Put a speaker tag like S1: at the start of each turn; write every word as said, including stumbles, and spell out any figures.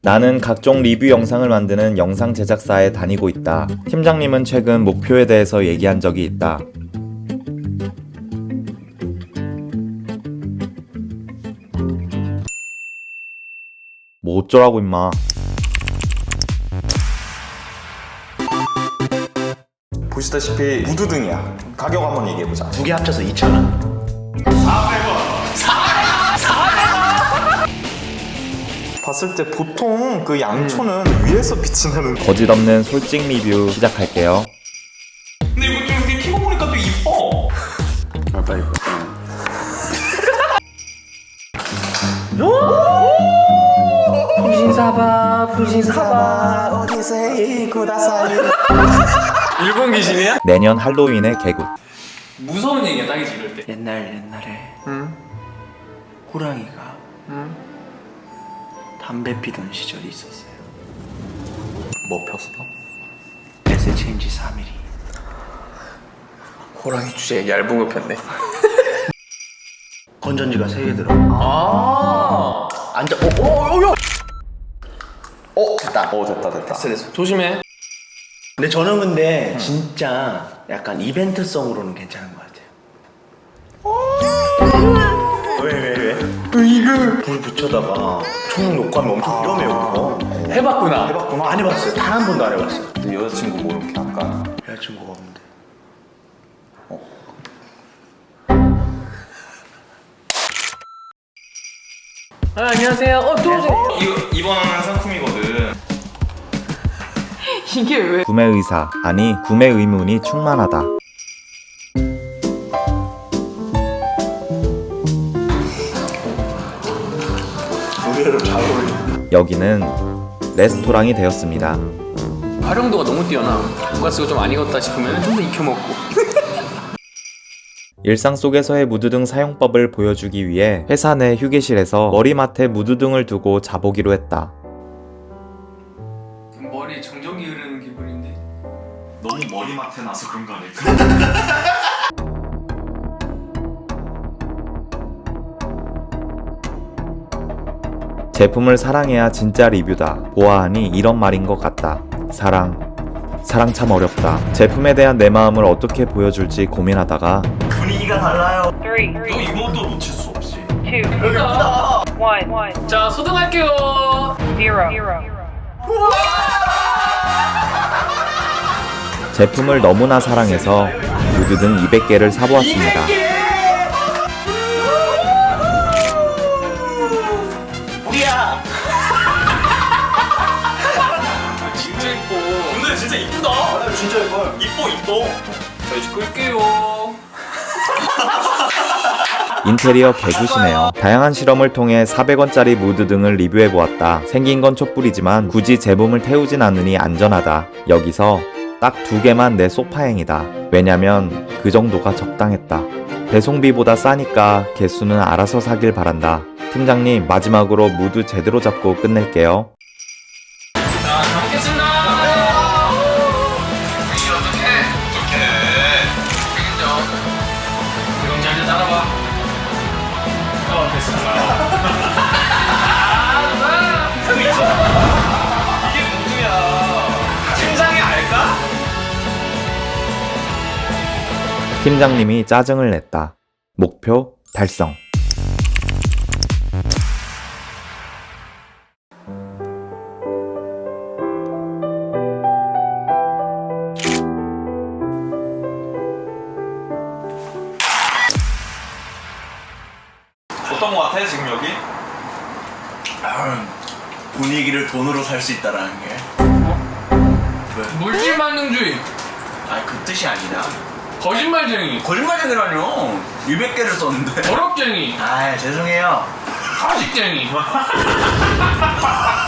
S1: 나는 각종 리뷰 영상을 만드는 영상 제작사에 다니고 있다. 팀장님은 최근 목표에 대해서 얘기한 적이 있다. 뭐 어쩌라고 임마.
S2: 보시다시피 무드등이야. 가격 한번 얘기해보자.
S3: 두 개 합쳐서 이천 원.
S2: 사백 원. 사백 원! 봤을 때 보통 그 양초는 음. 위에서 빛이 나는.
S1: 거짓없는 솔직 리뷰 시작할게요.
S2: 근데 이거 좀 이렇게 키고 보니까 또 이뻐.
S3: 아, 빨리.
S2: 부신사바 부신사바 어디세 구다사이.
S4: 일본 귀신이야?
S1: 내년 할로윈의 개굿.
S4: 무서운 얘기야 딱이지 이럴 때.
S3: 옛날 옛날에
S2: 응?
S3: 호랑이가
S2: 응?
S3: 담배 피던 시절이 있었어요.
S2: 뭐 폈어?
S3: 에세 체인지 삼 미리.
S4: 호랑이 주제에 얇은 거 폈네.
S3: 건전지가 세 개 들어.
S4: 아.
S3: 앉아. 어, 어, 어, 어. 어, 됐다.
S2: 어 됐다 됐다.
S3: 됐어, 됐어.
S4: 조심해.
S3: 근데 저는 근데 진짜 약간 이벤트성으로는 괜찮은 것 같아요. 왜, 왜, 왜? 이거 불 붙여다가 총 녹화하면 엄청 위험해요, 그거.
S4: 해봤구나.
S2: 해봤구나.
S3: 안 해봤어요. 단 한 번도 안 해봤어요.
S2: 네 여자친구 뭐 이렇게 할까?
S3: 여자친구가 없는데.
S4: 아, 안녕하세요. 어 들어오세요.
S2: 이거 이번 상품이거든.
S4: 이게 왜?
S1: 구매 의사, 아니 구매 의문이 충만하다.
S3: 의외로 잘 어울려.
S1: 여기는 레스토랑이 되었습니다.
S4: 활용도가 너무 뛰어나. 돈가스가 좀 안 익었다 싶으면 좀 더 익혀 먹고.
S1: 일상 속에서의 무드등 사용법을 보여주기 위해 회사 내 휴게실에서 머리맡에 무드등을 두고 자보기로 했다.
S4: 머리에 정전기 흐르는 기분인데.
S2: 너무 머리맡에 나서 그런 거 아닐까?
S1: 제품을 사랑해야 진짜 리뷰다. 보아하니 이런 말인 것 같다. 사랑. 사랑 참 어렵다. 제품에 대한 내 마음을 어떻게 보여줄지 고민하다가
S3: 분위기가 달라요.
S5: Three,
S2: 너 이것도 놓칠 수 없이.
S5: two,
S4: 예쁘다.
S5: one, one,
S4: 자, 소등할게요.
S5: zero, zero.
S1: 제품을 너무나 사랑해서 무드등 이백 개를 사보았습니다.
S3: 우리야.
S4: 진짜 이뻐.
S2: 근데 진짜 이쁘다.
S3: 진짜 이거.
S2: 이뻐 이뻐.
S4: 자, 이제 끌게요.
S1: 인테리어 개굿이네요. 다양한 실험을 통해 사백 원짜리 무드등을 리뷰해보았다. 생긴 건 촛불이지만 굳이 제품을 태우진 않으니 안전하다. 여기서 딱 두 개만 내 소파행이다. 왜냐면 그 정도가 적당했다. 배송비보다 싸니까 개수는 알아서 사길 바란다. 팀장님, 마지막으로 무드 제대로 잡고 끝낼게요.
S4: 자, 잘 먹겠습니다. 이게 어떡해?
S2: 어떡해.
S4: 책임져. 이건 잘 따라와. 어, 됐어.
S2: 그 있잖아. 이게 무드야. 팀장이 알까?
S1: 팀장님이 짜증을 냈다. 목표 달성.
S2: 어떤 거 같아 지금 여기?
S3: 아, 분위기를 돈으로 살 수 있다라는 게.
S4: 물질 만능주의.
S3: 아, 그 뜻이 아니라.
S4: 거짓말쟁이.
S3: 거짓말쟁이라뇨. 이백 개를 썼는데.
S4: 버럭쟁이.
S3: 아, 죄송해요.
S4: 가식쟁이.